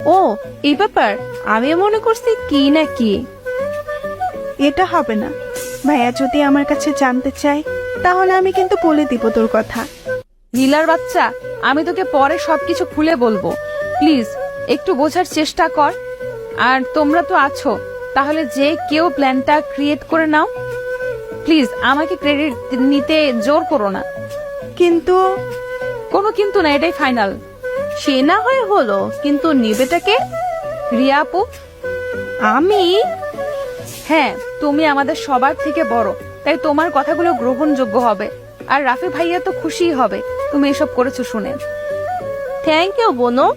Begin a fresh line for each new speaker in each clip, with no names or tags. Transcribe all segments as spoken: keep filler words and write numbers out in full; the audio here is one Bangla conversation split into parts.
ও এই ব্যাপার, আমি মনে করছি কি না কি।
এটা হবে না। ভাইয়া যদি আমার কাছে জানতে চায় তাহলে আমি কিন্তু বলে দিব তোর কথা।
নীলার বাচ্চা, আমি তোকে পরে সবকিছু খুলে বলবো, প্লিজ একটু বোঝার চেষ্টা কর। আর তোমরা তো আছো, তাহলে যে কেউ প্ল্যানটা ক্রিয়েট করে নাও। প্লিজ আমাকে ক্রেডিট নিতে জোর করো না।
কিন্তু
কোনো কিন্তু না, এটাই ফাইনাল।
সে না হয় হলো, কিন্তু নিবেটাকে?
রিয়া আপু,
আমি?
হ্যাঁ, তুমি আমাদের সবার থেকে বড়, তাই তোমার কথাগুলো গ্রহণযোগ্য হবে। আর রাফি ভাইয়া তো খুশিই হবে তুমি এসব করেছো শুনে।
থ্যাংক ইউ বোনো।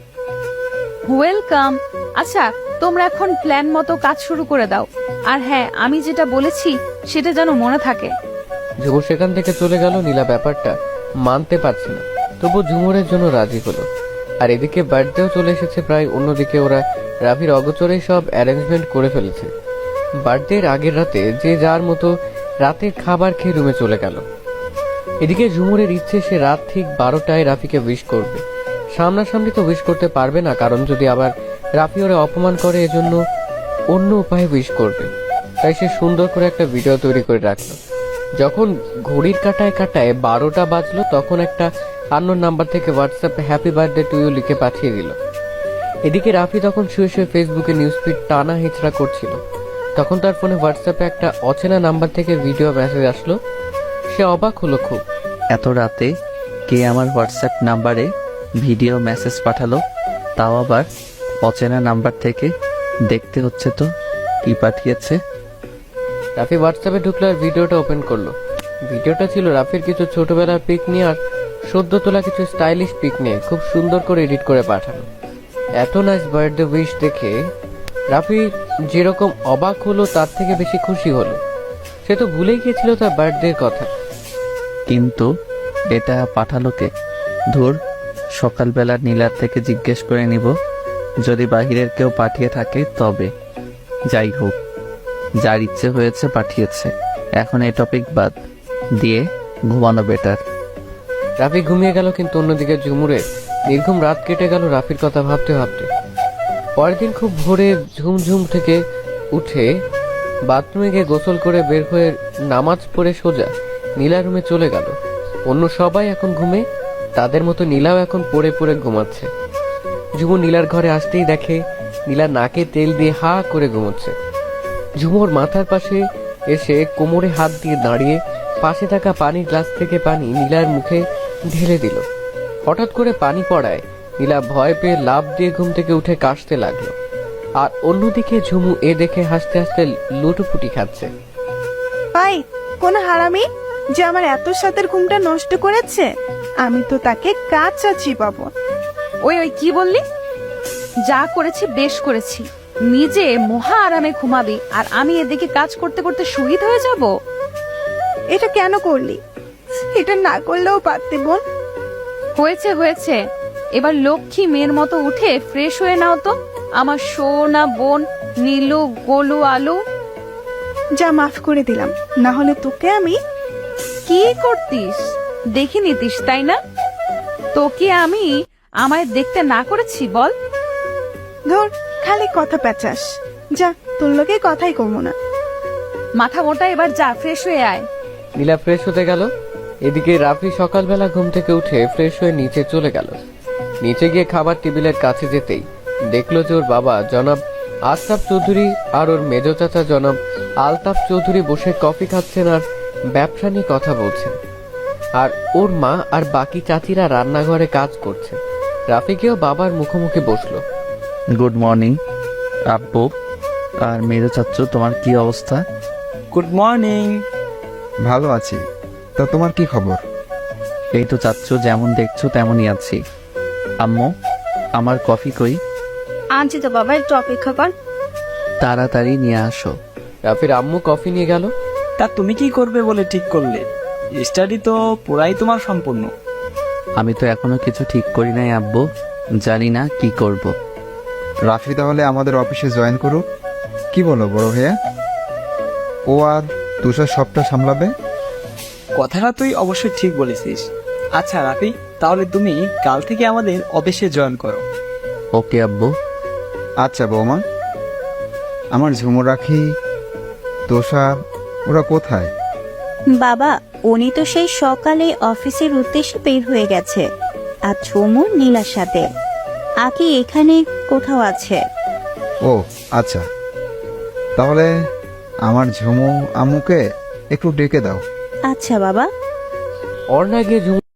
ওয়েলকাম। আচ্ছা, তোমরা এখন প্ল্যান মতো কাজ শুরু করে দাও। আর হ্যাঁ, আমি যেটা বলেছি সেটা যেন মনে থাকে।
ঝুমুর সেখান থেকে চলে গেল। নীলা ব্যাপারটা মানতে পারছে না, তবু ঝুমুরের জন্য রাজি হলো। আর এদিকে বার্থডেও চলে এসেছে প্রায়। অন্যদিকে ওরা রাফির অগোচরেই সব অ্যারেঞ্জমেন্ট করে ফেলেছে। বার্থডের আগের রাতে যে যার মতো রাতের খাবার খেয়ে রুমে চলে গেল। এদিকে ঝুমুরের ইচ্ছে সে রাত ঠিক বারোটায় রাফিকে উইশ করবে। সামনাসামনি তো উইশ করতে পারবে না, কারণ যদি আবার রাফি ওরে অপমান করে, এজন্য অন্য উপায়ে উইশ করবে। তাই সে সুন্দর করে একটা ভিডিও তৈরি করে রাখলো। যখন ঘড়ির কাটায় কাটায় বারোটা বাজলো, তখন একটা আননোন নাম্বার থেকে হোয়াটসঅ্যাপে হ্যাপি বার্থডে টু ইউ লিখে পাঠিয়ে দিল। এদিকে রাফি তখন শুয়ে শুয়ে ফেসবুকে নিউজ ফিড টানা হিচড়া করছিল। তখন তার ফোনে হোয়াটসঅ্যাপে একটা অচেনা নাম্বার থেকে ভিডিও মেসেজ আসলো। সে অবাক হলো খুব।
এত রাতে কে আমার হোয়াটসঅ্যাপ নাম্বারে ভিডিও মেসেজ পাঠালো, তাও আবার অচেনা নাম্বার থেকে? দেখতে হচ্ছে তো কি পাঠিয়েছে।
রাফি হোয়াটসঅ্যাপে ঢুকলো আর ভিডিওটা ওপেন করলো। ভিডিওটা ছিল রাফির কিছু ছোটবেলার পিক নিয়ে আর সদ্য তোলা কিছু স্টাইলিশ পিক নিয়ে খুব সুন্দর করে এডিট করে পাঠানো। এত নাইস বার্থডে উইশ দেখে রাফি যেরকম অবাক হলো তার থেকে বেশি খুশি হলো। সে তো ভুলেই গিয়েছিল তার বার্থডের কথা।
কিন্তু এটা পাঠালো কে? ধুর, সকালবেলা নীলার থেকে জিজ্ঞেস করে নিব, যদি বাহিরের কেউ পাঠিয়ে থাকে তবে। যাই হোক, যার ইচ্ছে হয়েছে পাঠিয়েছে, এখন এই টপিক বাদ দিয়ে ঘুমানো বেটার।
রাফি ঘুমিয়ে গেল, কিন্তু অন্যদিকে ঝুমুরের নির্ঘুম রাত কেটে গেল রাফির কথা ভাবতে ভাবতে। পরের দিন খুব ভোরে ঝুমঝুম থেকে উঠে বাথরুমে গিয়ে গোসল করে বের হয়ে নামাজ পড়ে সোজা নীলা রুমে চলে গেল। অন্য সবাই এখন ঘুমে, তাদের মতো নীলাও এখন পড়ে পড়ে ঘুমাচ্ছে। ঝুমুর নীলার ঘরে আসতেই দেখে নীলা নাকে তেল দিয়ে হা করে ঘুমোচ্ছে। ঝুমুর মাথার পাশে এসে কোমরে হাত দিয়ে দাঁড়িয়ে পাশে থাকা পানির গ্লাস থেকে পানি নীলার মুখে ঢেলে দিল। হঠাৎ করে পানি পড়ায় নীলা ভয় পেয়ে লাফ দিয়ে ঘুম থেকে উঠে কাশতে লাগলো। আর অন্যদিকে ঝুমু এ দেখে হাসতে হাসতে লুটোপুটি খাচ্ছে।
ভাই, কোন হারামি যে আমার এত সাতের ঘুমটা নষ্ট করেছে, আমি তো তাকে কাঁচা চিবাবো।
ওই ওই কি বললি? যা করেছি বেশ করেছি। নিজে মহা আরামে ঘুমাবি আর আমি এদিকে কাজ করতে করতে শহীদ হয়ে যাব।
এটা কেন করলি? এটা না করলেও পারতে বোন।
হয়েছে হয়েছে, এবার লক্ষ্মী মেয়ের মতো উঠে ফ্রেশ হয়ে নাও তো আমার সোনা বোন নীলু গোলু আলু।
যা, মাফ করে দিলাম, না হলে তোকে আমি।
কি করতিস দেখে নিতিস, তাই না? তোকে আমি আমায় দেখতে না করেছি বল?
ধর, খালি কথা পেঁচাস। যা, তোর লোকে কথাই কমো না।
মাথা মোটা, এবার যা ফ্রেশ হয়ে আয়।
নীলা ফ্রেশ হতে গেল। এদিকে রাফি সকালবেলা ঘুম থেকে উঠে ফ্রেশ হয়ে নিচে চলে গেল। নিচে গিয়ে খাবার টেবিলের কাছে যেতেই দেখলো যে ওর বাবা জনাব আশরাফ চৌধুরী আর ওর মেজ চাচা জনাব আলতাফ চৌধুরী বসে কফি খাচ্ছেন আর ব্যবসা নিয়ে কথা বলছেন। আর ওর মা আর বাকি চাচিরা রান্নাঘরে কাজ করছে। রাফিকেও বাবার মুখোমুখি বসলো।
গুড মর্নিং আব্বু আর মেজো চাচ্চু, তোমার কি অবস্থা?
Good morning.
ভালো আছি, তা তোমার কি খবর?
এই তো চাচ্চু, যেমন দেখছো তেমনই আছি। আম্মু, আমার কফি কই?
আনছি তো বাবা, একটু অপেক্ষা কর।
তাড়াতাড়ি নিয়ে আসো।
রাফির আম্মু কফি নিয়ে গেল।
তা তুমি কি করবে বলে ঠিক করলে? স্টাডি তো পুরাই তোমার সম্পূর্ণ।
আমি তো এখনো কিছু ঠিক করি নাই আব্বু, জানি না কি করব।
রাফি তাহলে আমাদের অফিসে জয়েন করুক, কি বলো বড় ভাইয়া? ও আর তুষার সবটা সামলাবে।
কথাটা তুই অবশ্যই ঠিক বলেছিস। আচ্ছা রাফি, তাহলে তুমি কাল থেকে আমাদের অফিসে জয়েন করো।
ওকে আব্বু।
আচ্ছা বৌমা, আমার ঝুমুর রাখি তোষা ওরা কোথায়?
বাবা, উনি তো সেই সকালে অফিসের উদ্দেশ্যে বের হয়ে গেছে। আর ঝুমুর নীলার সাথে। আকি এখানে কোথাও আছে।
ও আচ্ছা, তাহলে আমার ঝুমু আম্মুকে একটু ডেকে দাও।
আচ্ছা বাবা।
অর্ণা গিয়ে ঝুমুর